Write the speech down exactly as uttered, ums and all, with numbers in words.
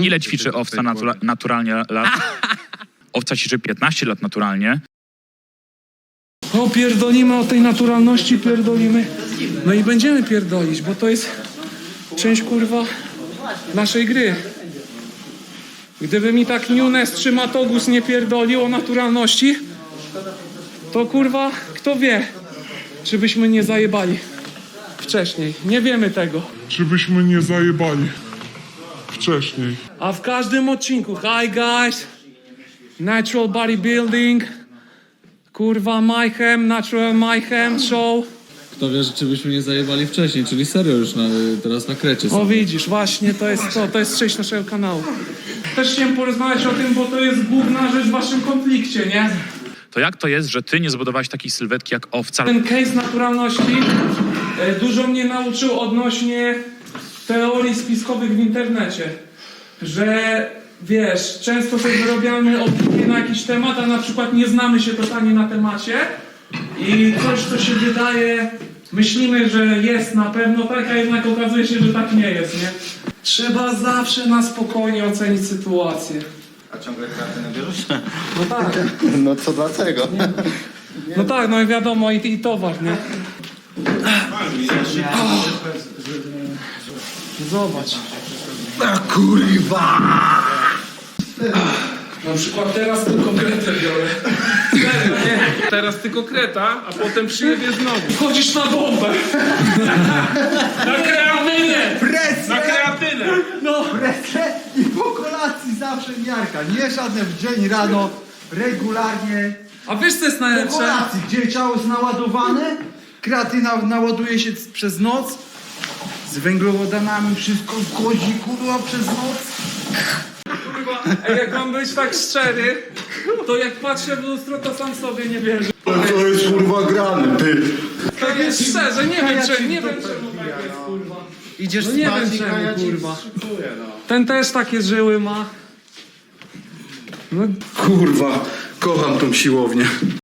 Mhm. Ile ćwiczy owca natura naturalnie lat? Owca ćwiczy piętnaście lat naturalnie. O, pierdolimy o tej naturalności, pierdolimy. No i będziemy pierdolić, bo to jest część, kurwa, naszej gry. Gdyby mi tak Nunes czy Matogus nie pierdolił o naturalności, to kurwa, kto wie, czy byśmy nie zajebali wcześniej. Nie wiemy tego. Czy byśmy nie zajebali wcześniej? A w każdym odcinku, hi guys, Natural Bodybuilding, kurwa Mayhem, Natural Mayhem Show. Kto wie, że czy byśmy nie zajebali wcześniej, czyli serio już na, teraz na krecie O są. widzisz, właśnie to jest to, to jest część naszego kanału. Też chciałem porozmawiać o tym, bo to jest główna rzecz w waszym konflikcie, nie? To jak to jest, że ty nie zbudowałeś takiej sylwetki jak owca? Ten case naturalności e, dużo mnie nauczył odnośnie teorii spiskowych w internecie. Że wiesz, często sobie wyrobiamy opinię na jakiś temat, a na przykład nie znamy się totalnie na temacie i coś, co się wydaje, myślimy, że jest na pewno tak, a jednak okazuje się, że tak nie jest, nie? Trzeba zawsze na spokojnie ocenić sytuację. A ciągle kreatynę bierzesz? No tak, No to dlaczego? no tak, no i wiadomo, i, i towar, nie? Zobacz. A kurwa! Na przykład teraz tylko kretę biorę. Serio, nie? Teraz tylko kreta, a potem przyjedzie znowu. Chodzisz na bombę. Na kreatynę! Presję! Na kreatynę! No. Presję i po kolacji zawsze miarka. Nie żadne w dzień, rano, regularnie. A wiesz co jest Po najlepsze? kolacji, gdzie ciało jest naładowane, kreatyna naładuje się c- przez noc, z węglowodanami wszystko wchodzi, kurwa, przez noc. Kurwa, ej, jak mam być tak szczery, to jak patrzę w lustro, to sam sobie nie wierzę. To jest kurwa grany, ty! Tak jest szczerze, nie wiem czemu, nie wiem czemu tak jest, kurwa. Idziesz No nie spać wiem i czemu, kaja ci kurwa. szykuje, no. Ten też takie żyły ma. No Kurwa, kocham tą siłownię.